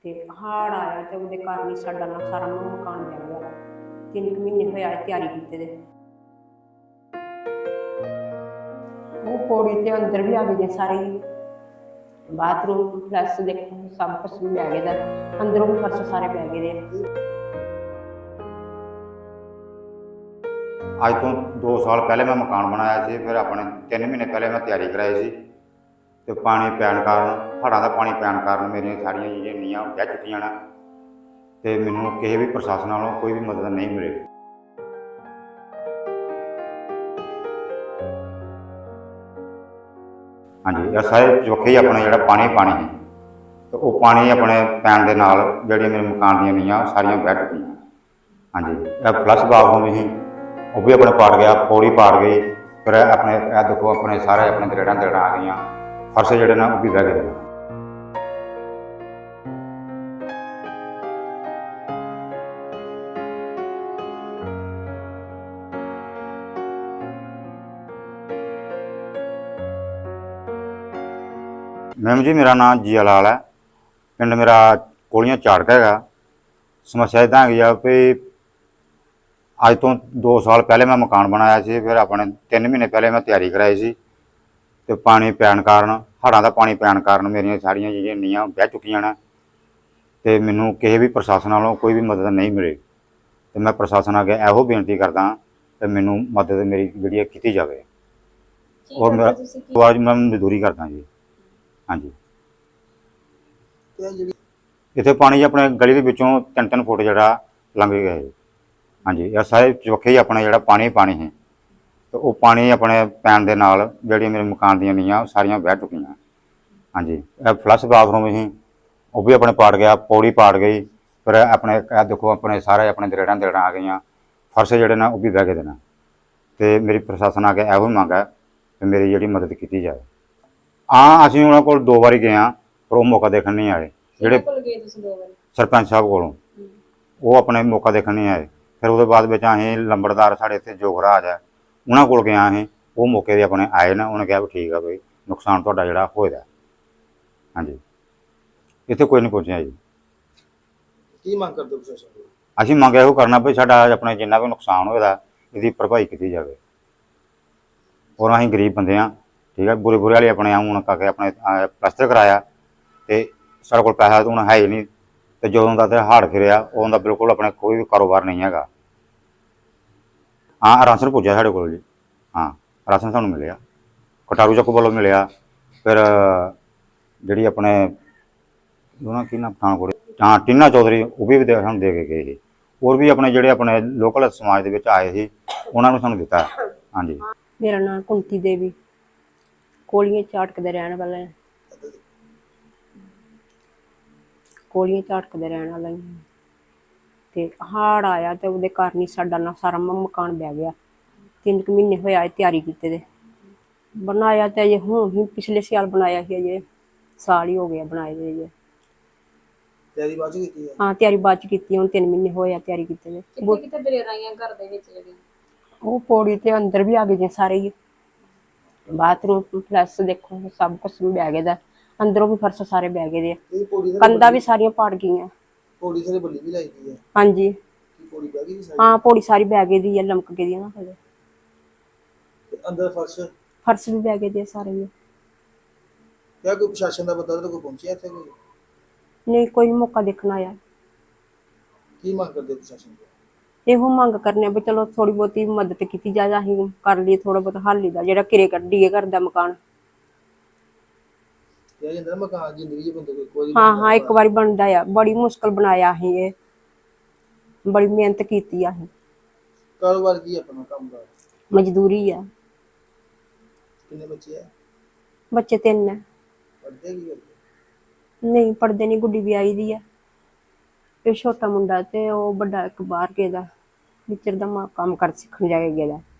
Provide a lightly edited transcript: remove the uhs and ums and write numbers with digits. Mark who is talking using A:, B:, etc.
A: ਤੇ ਹੜ੍ਹ ਆਇਆ ਤੇ ਉਹਦੇ ਕਾਰਨ ਹੀ ਸਾਡਾ ਨਾ ਸਾਰਾ ਮਕਾਨ ਬਹਿ ਗਿਆ। 3 ਮਹੀਨੇ ਹੋਏ ਆ ਤਿਆਰੀ ਕੀਤੇ ਦੇ। ਉਹ ਪੌੜੀ ਤੇ ਅੰਦਰ ਵੀ ਆ ਗਏ ਨੇ ਸਾਰੇ ਹੀ। ਬਾਥਰੂਮ ਪਲੱਸ ਦੇਖੋ ਸਭ ਕੁਛ ਬਹਿ ਗਿਆ ਦਾ, ਅੰਦਰੋਂ ਵੀ ਫਰਸ਼ ਸਾਰੇ ਬਹਿ ਗਏ ਦੇ।
B: ਅੱਜ ਤੋਂ 2 ਸਾਲ ਪਹਿਲੇ मैं मकान बनाया ਸੀ। फिर अपने 3 महीने पहले मैं तैयारी कराई सी ਤੇ ਪਾਣੀ ਪੈਣ ਕਾਰਨ, ਹੜ੍ਹਾਂ ਦਾ ਪਾਣੀ ਪੈਣ ਕਾਰਨ ਮੇਰੀਆਂ ਸਾਰੀਆਂ ਜਿਹੜੀਆਂ ਨੀਹਾਂ ਬਹਿ ਚੁੱਕੀਆਂ ਨੇ ਤੇ ਮੈਨੂੰ ਕਿਸੇ ਵੀ ਪ੍ਰਸ਼ਾਸਨ ਵੱਲੋਂ ਕੋਈ ਵੀ ਮਦਦ ਨਹੀਂ ਮਿਲੀ। ਹਾਂਜੀ, ਇਹ ਸਾਰੇ ਚੌਕੇ ਹੀ ਆਪਣਾ ਜਿਹੜਾ ਪਾਣੀ ਸੀ ਤੇ ਉਹ ਪਾਣੀ ਆਪਣੇ ਪੈਣ ਦੇ ਨਾਲ ਜਿਹੜੀਆਂ ਮੇਰੇ ਮਕਾਨ ਦੀਆਂ ਨੀਹਾਂ ਸਾਰੀਆਂ ਬਹਿ ਚੁੱਕੀਆਂ। ਹਾਂਜੀ, ਇਹ ਫਲਸ਼ ਬਾਥਰੂਮ ਸੀ ਉਹ ਵੀ ਆਪਣੇ ਪਾੜ ਗਿਆ, ਪੌੜੀ ਪਾੜ ਗਈ। ਫਿਰ ਆਪਣੇ ਇਹ ਦੇਖੋ ਆਪਣੇ ਸਾਰੇ ਆਪਣੇ ਦਰੇੜਾਂ ਆ ਗਈਆਂ, ਫਰਸ਼ ਜਿਹੜੇ ਨੇ ਉਹ ਵੀ ਬਹਿ ਗਏ। मैम जी, मेरा नाम जिया लाल है, पिंड मेरा कोलियां झाड़का हैगा। समस्या इदा हैगी आ भी अज तो 2 साल पहले मैं मकान बनाया सी। फिर अपने 3 महीने पहले मैं तैयारी कराई सी ते पानी पैण कारण, हड़ां दा पानी पैण कारण मेरियां सारियां जिहड़ियां नीहां बह चुकियां ने ते मैनूं किसी भी प्रशासन वालों कोई भी मदद नहीं मिली। ते मैं प्रशासन अगे इहो बेनती करदा कि मैनूं मदद मेरी जिहड़ी कीती जावे। और मैं मजदूरी करदा जी। हाँ जी, इत्थे पानी अपने गली के विचों 3-3 फुट जरा लंघ गया है। हाँ जी, यह सारे चौखे ही अपना जरा पानी है तो वो पानी अपने पैन के नाल जिहड़ी मेरे मकान दी नीहां सारियां बह चुकियां। हाँ जी, यह फ्लश बाथरूम ही वो भी अपने पाड़ गया, पौड़ी पाड़ गई। फिर अपने देखो अपने सारे अपने दरेड़ां आ गई, फर्श जिहड़े ने वो भी बह गए ने। ते मेरी प्रशासन अगे इहो मंग है कि मेरी जिहड़ी मदद की जाए। हाँ, असीं उन्हां कोल 2 वारी गए हाँ पर वो मौका देखण नहीं आए। जिहड़े सरपंच साहब कोलों वो अपने मौका देखण नहीं आए। फिर उसदे बाद विच असीं लंबड़दार साढ़े इत्थे जोगराज है उन्हां कोल गए असीं, वो मौके दे अपने आए ना, उन्हें कहा भी ठीक है बई नुकसान तुहाडा जिहड़ा होया। हाँ जी, इत्थे कोई नहीं पहुंचिया जी।
C: की मंग करदे प्रशासन कोल?
B: असीं मंग इहो करना भी साडा अपने जिन्ना भी नुकसान होया इहदी भरपाई की जाए। और असीं गरीब बंदे हाँ, ठीक है, बुरे वाले अपने हूँ करके अपने प्लस्तर कराया तो साढ़े को पैसा तो हूँ है ही नहीं। तो जो हड़ फिरिया उदा बिल्कुल अपने कोई भी कारोबार नहीं है। हाँ, राशन पुजा साढ़े को जी। हाँ, राशन सानू मिले, कटारू चक्क वालों मिले। फिर जी अपने की ना पठानकोट, हाँ टीना चौधरी वो भी सानू दे के गए। और भी अपने जोड़े अपने लोकल समाज के आए थे उन्होंने सानू दिता। हाँ जी,
A: मेरा नाम कुंती देवी, कोलियां झाड़क दे रहने वाले हैं। कोलियां झाड़क दे रहने वाले हैं ते हड़ आया तो उसदे कारण ही साडा ना सारा मकान बह गया। 3 महीने होए आए तैयारी कीते दे। बनाया तो अजे हुण ही पिछले साल बनाया ही, अजे साल ही हो गया बनाए दे। अजे
C: तैयारी बाद च कीती है?
A: हाँ, तैयारी बाद च कीती। हुण 3 महीने होए आ तैयारी कीते दे।
D: कित्थे दलेर आईयां घर दे विच जेहड़ियां
A: वो पौड़ी ते अंदर भी आ गए ने सारे ही। बाथरूम प्लस देखो सब कुछ बह गए दा, अंदरों भी फर्श सारे बह गए दे, कंधा भी सारियां पाड़ गई।
C: पौड़ी सारी बल्ली भी लाई दी है?
A: हाँ जी,
C: पौड़ी बह गई सारी?
A: हाँ पौड़ी सारी बह गई दी है, लमक गई है ना थल्ले।
C: अंदर
A: फर्श भी बह गए दे सारे ही।
C: क्या कोई प्रशासन का बंदा तो कोई पहुंचिया इत्थे कोई?
A: नहीं, कोई मौका देखना आया।
C: की मंग करदे प्रशासन को?
A: ਇਹੋ ਮੰਗ ਕਰਨੇ ਵੀ ਚਲੋ ਥੋੜੀ ਬਹੁਤੀ ਮਦਦ ਕੀਤੀ ਜਾਏ, ਅਸੀਂ ਕਰ ਲਈ ਥੋੜਾ ਬਹੁਤ ਹੱਲ ਦਾ ਜਿਹੜਾ ਕਿਰੇ ਕੱਢੀਏ ਘਰ ਦਾ ਮਕਾਨ।
C: ਕਿਹਾ ਜਾਂਦਾ ਨਾ ਮਕਾਨ ਜ਼ਿੰਦਗੀ ਚ ਬੰਦੇ ਕੋਈ
A: ਹਾਂ ਇੱਕ ਵਾਰੀ ਬਣਦਾ ਆ, ਬੜੀ ਮੁਸ਼ਕਲ ਬਣਾਇਆ ਅਸੀਂ, ਇਹ ਬੜੀ ਮਿਹਨਤ ਕੀਤੀ ਆ ਅਸੀਂ।
C: ਕਾਰੋਬਾਰ ਕੀ ਆਪਣਾ ਕੰਮ ਦਾ?
A: ਮਜ਼ਦੂਰੀ ਆ।
C: ਕਿੰਨੇ ਬੱਚੇ ਆ?
A: ਬੱਚੇ 3 ਆ।
C: ਪੜ੍ਹਦੇ ਕੀ ਕਰਦੇ?
A: ਨਹੀਂ ਪੜ੍ਹਦੇ ਨਹੀਂ, ਗੁੱਡੀ ਵਿਆਹੀ ਦੀ ਆ। ਇਹ ਛੋਟਾ ਮੁੰਡਾ ਤੇ ਉਹ ਵੱਡਾ ਇੱਕ ਬਾਹਰ ਗਿਆ ਦਾ ਵਿਚਰ ਦਾ ਕੰਮ ਕਰ ਸਿੱਖਣ ਜਾ ਕੇ ਗਿਆ।